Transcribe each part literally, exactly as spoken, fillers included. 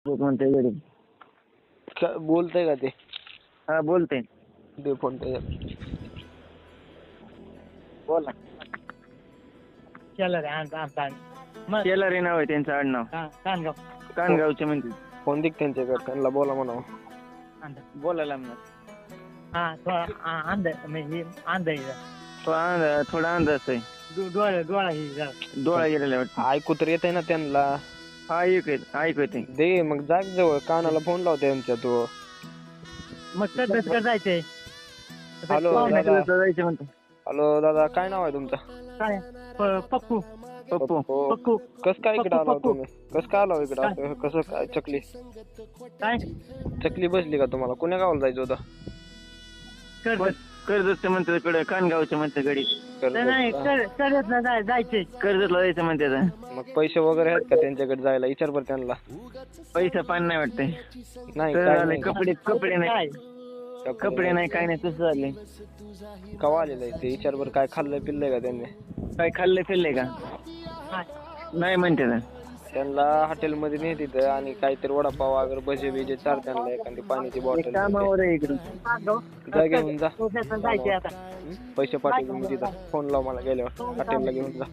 म्हणते गडी का- बोलतंय का ते? हा बोलते. दे फोन त्याच्यात. बोला. केलं रे आण आण आण. मग शेलारी नाव आहे त्यांचं आडनाव. हा, कानगाव कानगावचे म्हणते. फोन दे त्यांच्याकडे, त्यांना बोला म्हणावं. अंदर. बोलायला म्हणा. हा थोडा आ- अंदर म्हणजे अंदर आहे जरा. थोडा अंदाज थोडा अंदाज आहे. डो- डोळा डोळा ही जरा. डोळा गेलेला वाटतं. ऐकू तर येतंय ना त्यांना. हा ऐक ऐक येते. दे मग जाग जवळ, कानाला फोन लाव त्यांच्या तू. मग तसंच कर जायचंय. हॅलो, पाहुणे- दादा. जायचं म्हणतो. हॅलो दादा, काय नाव आहे तुमचं? काय प- पप्पू पप्पू. हो. पप्पू कसं काय इकडे पप्पू, आला पप्पू. तुम्ही? कसं काय आला इकडे? असं कसं काय? चकली काय चकली बसली का तुम्हाला? कुण्या गावाला जायचं होतं? कर कर्जतचं म्हणते तिकडे कानगावचं म्हणते गडी. नाही कर करत ना जाय जायचंय. कर्जतला जायचं म्हणते आता. मग पैसे वगैरे आहेत का त्यांच्याकडे जायला? विचार बरं त्यांना. पैसा पाणी नाही वाटतंय. नाही तर काय आले नाही. कपडे कपडे नाही काय कपडे नाही काय नाही तसं झाले. कवा आलेलं आहे ते? विचार बरं, काय खाल्लंय पिल्लंय का त्यांनी? काय खाल्ले फिरले का? काय? नाही म्हणते ना. त्यांना हॉटेलमध्ये नाही तिथं, आणि काहीतरी वडापाव वगैरे भजे बिजे चार त्यांना, एखादी पाण्याची बॉटल. कामावर आहे इकडे. कानगाव. जा घेऊन जा. तसं जायचंय आता. हं? पैसे पाठवतो मी तिथं. फोन लाव मला गेल्यावर, हॉटेलला घेऊन जा.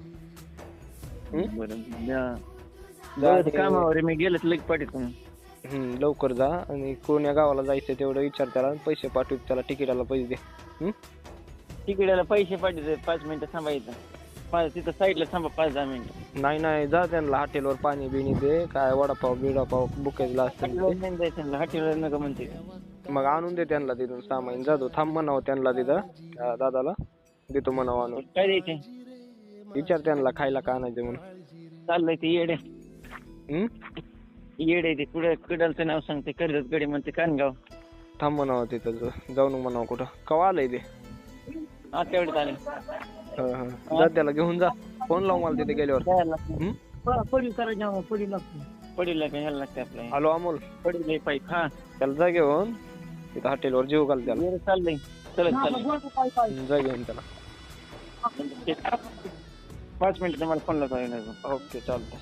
हं? बरं जा. जा बरं, ते- कामावर आहे मी गेलं तर लगेच पाठवतो. हं, लवकर जा, आणि कोण्या गावाला जायचं तेवढं विचार त्याला, आणि पैसे पाठवतो त्याला, तिकिटाला पैसे दे. हं? तिकडेला पैसे पाठवते. पाच मिनिटं थांबायचं. पाच तिथं साईडला थांबा पाच दहा मिनिटं. नाही नाही, जा त्यांना हॉटेलवर पाणी बिणी दे, काय वडापाव बिडापाव बुकेजला असतं हॉटेलवर जायचं हॉटेलवर नका म्हणते. मग आणून दे त्यांना तिथून सामान. जातो, थांब म्हणावं त्यांना तिथं, त्या दादाला देतो म्हणावं आणून. काय द्यायचे? विचार त्यांना खायला का आणायचं म्हणून. चाललंय ते येडे हं? येडे ते कुठं कडलचं नाव सांगते. कर्जत गडी म्हणते कानगाव. थांब म्हणावं तिथं, ज- जाऊन म्हणावं कुठं. कवा आलंय ते? हा तेवढे आले. हं, हं. जा त्याला घेऊन जा. फोन लाव मला तिथे गेल्यावर. जायला लागतं. हं? प- पोळी करायच्या पोळी लागते. पडील का ह्याला लागते आपल्याला. हॅलो अमोल, पडील पाईप. हा त्याला जा घेऊन तिथं हॉटेलवर जेव घाल त्याला. येडे चाललंय. चलत चाललंय. हं, जा घेऊन त्याला. पाच मिनिटं तुम्हाला फोन लावतो. ओके, चालतंय.